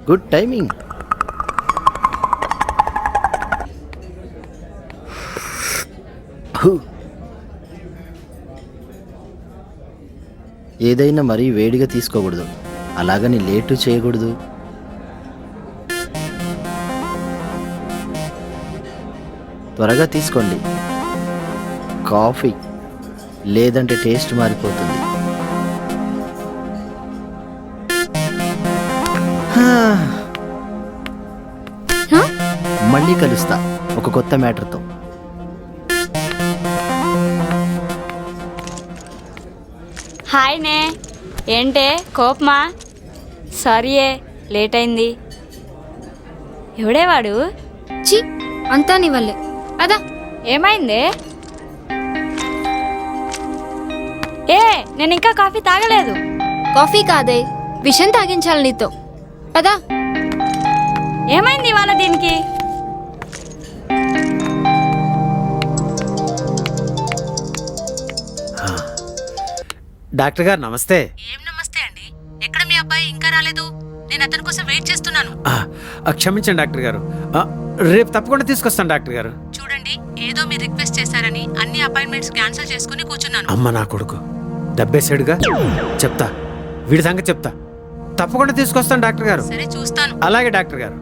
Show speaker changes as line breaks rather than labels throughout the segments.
Good timing. ఏదైనా మరీ వేడిగా తీసుకోకూడదు, అలాగని లేటు చేయకూడదు. త్వరగా తీసుకోండి కాఫీ, లేదంటే టేస్ట్ మారిపోతుంది. మళ్ళీ కలుస్తా ఒక కొత్త మ్యాటర్తో.
హాయ్ నే, ఏంటే కోపమా? సారీయే, లేట్ అయింది. ఎవడే వాడు?
చి, అంతా నీ వల్లే. అదా
ఏమైందే? ఏ, నేను ఇంకా కాఫీ తాగలేదు.
కాఫీ కాదే, విషం తాగించాలి నీతో. పదా.
ఏమైంది ఇవాళ దీనికి?
డాక్టర్ గారు నమస్తే.
ఏం నమస్తే అండి, ఎక్కడ మీ అబ్బాయి ఇంకా రాలేదు? నేను అతని కోసం వెయిట్ చేస్తున్నాను.
క్షమించండి డాక్టర్ గారు, రేపు తప్పకుండా తీసుకొస్తాను డాక్టర్ గారు.
చూడండి, ఏదో మీరు రిక్వెస్ట్ చేశారని అన్ని అపాయింట్మెంట్స్ క్యాన్సిల్ చేసుకుని కూర్చున్నాను.
అమ్మ నా కొడుకు దబ్బేసాడుగా. చెప్తా, వీడి సంగతి చెప్తా. తప్పకుండా తీసుకొస్తాను డాక్టర్ గారు.
సరే, చూస్తాను.
అలాగే డాక్టర్ గారు.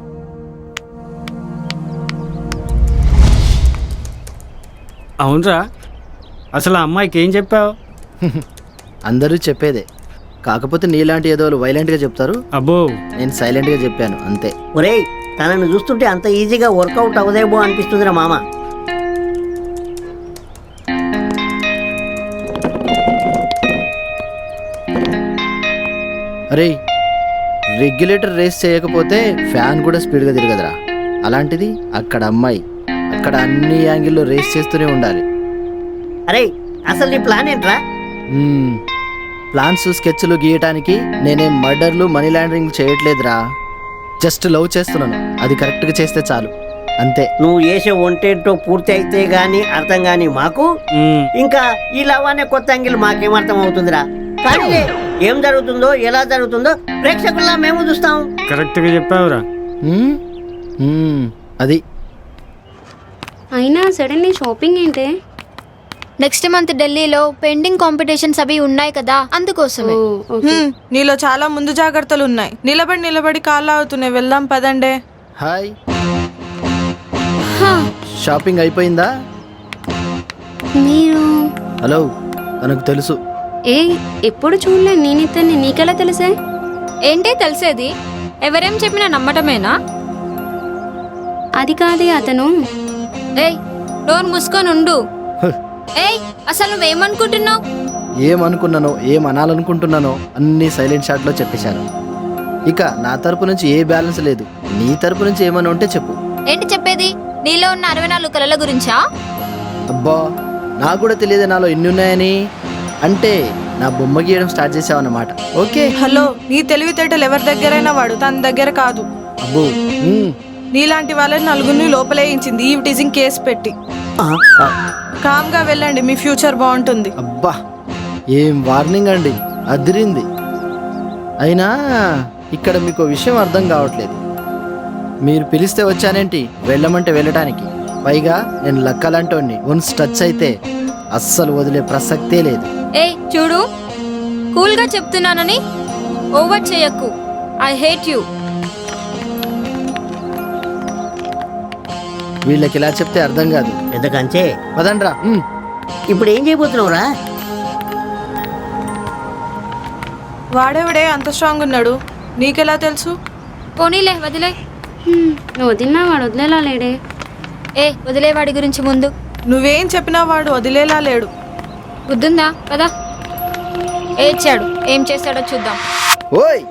అవునరా, అసలు ఆ అమ్మాయికి ఏం చెప్పావు?
అందరూ చెప్పేదే, కాకపోతే నీలాంటి ఏదో వైలెంట్గా చెప్తారు.
అబ్బో,
నేను సైలెంట్గా చెప్పాను అంతే.
ఒరేయ్, తనను చూస్తుంటే అంత ఈజీగా వర్కౌట్ అవదేమో అనిపిస్తుందిరా మామ.
అరే, రెగ్యులేటర్ రేస్ చేయకపోతే ఫ్యాన్ కూడా స్పీడ్గా తిరగదురా. అలాంటిది అక్కడ అమ్మాయి, అక్కడ అన్ని యాంగిల్లో రేస్ చేస్తూనే ఉండాలి.
అరే, అసలు నీ ప్లాన్ ఏంట్రా?
ప్లాన్స్ స్కెచ్లు గీయటానికి నేనేం మర్డర్లు మనీ లాండరింగ్ చేయట్లేదురా. జస్ట్ లవ్ చేస్తున్నాను, అది కరెక్ట్గా చేస్తే చాలు అంతే.
నువ్వు చేసే ఒంటేంటో పూర్తి అయితే గానీ అర్థం గానీ మాకు, ఇంకా ఈ లవ్ అనే కొత్త యాంగిల్ మాకేం అర్థం అవుతుందిరా. కానీ ఏం జరుగుతుందో ఎలా జరుగుతుందో ప్రేక్షకుల్లా మేము చూస్తాం.
కరెక్ట్గా చెప్పావురా.
అది
అయినా సడన్లీ షాపింగ్ ఏంటే?
నెక్స్ట్ మంత్ ఢిల్లీలో పెండింగ్ కాంపిటీషన్స్ అవి ఉన్నాయి కదా, అందుకోసమే.
నీలో చాలా ముందు జాగ్రత్తలు ఉన్నాయి. నిలబడి కాళ్ళు అవుతున్నాయి. వెళ్దాం పదండే.
హాయ్, షాపింగ్ అయిపోయిందా?
మీరు
హలో, తనకు తెలుసు.
ఏ ఎప్పుడు చూడలే నేను ఇతన్ని, నీకెలా తెలుసే?
ఏంటే తెలిసేది? ఎవరేం చెప్పినా నమ్మటమేనా?
అది కాదే అతను.
ఏయ్, డోర్ మూసుకొని ఉండు. ఏయ్, అసలు నువ్వేమనుకుంటున్నావు?
ఏమనుకున్నానో, ఏం అనాలనుకుంటున్నానో అన్నీ సైలెంట్ షాట్లో చెప్పేశాను. ఇక నా తరపు నుంచి ఏ బ్యాలెన్స్ లేదు. నీ తరపు నుంచి ఏమైనా ఉంటే చెప్పు.
ఏంటి చెప్పేది? నీలో ఉన్న 64 కళల గురించా?
అబ్బా, నాకు కూడా తెలియదు నాలో ఎన్ని ఉన్నాయని. అంటే నా బొమ్మ గీయడం స్టార్ట్ చేసావన్నమాట. ఓకే.
హలో, నీ తెలివితేటలు ఎవరి దగ్గరైనా వాడు, తన దగ్గర కాదు.
అబ్బో,
నీలాంటి వాళ్ళని నలుగురిని లోపలేయించింది ఈ టీజింగ్ కేసు పెట్టి. కామ్ గా వెళ్ళండి, మీ ఫ్యూచర్ బాగుంటుంది.
అబ్బా, ఏం వార్నింగ్ అండి, అదిరింది. అయినా ఇక్కడ మీకు విషయం అర్థం కావట్లేదు. మీరు పిలిస్తే వచ్చానేంటి, వెళ్ళమంటే వెళ్ళటానికి. పైగా నేను లక్కలంటోని వన్స్ టచ్ అయితే అస్సలు వదిలే ప్రసక్తే లేదు.
ఏయ్ చూడు, కూల్గా చెప్తున్నానని ఓవర్ చేయకు. I hate you.
వీళ్ళకి ఇలా చెప్తే అర్థం కాదు.
ఎందుకంటే
పదండ్రా.
ఇప్పుడు ఏం చేయబోతున్నావురా?
వాడేవిడే అంత స్ట్రాంగ్ ఉన్నాడు, నీకెలా తెలుసు?
పోనీలే, వదిలే.
నువ్వు వదిలినా వాడు వదిలేలా లేడే.
ఏ, వదిలేవాడి గురించి ముందు.
నువ్వేం చెప్పినా వాడు వదిలేలా లేడు.
బుద్ధుందా? కదా, ఏడ్చాడు, ఏం చేస్తాడో చూద్దాం.
ఓయ్,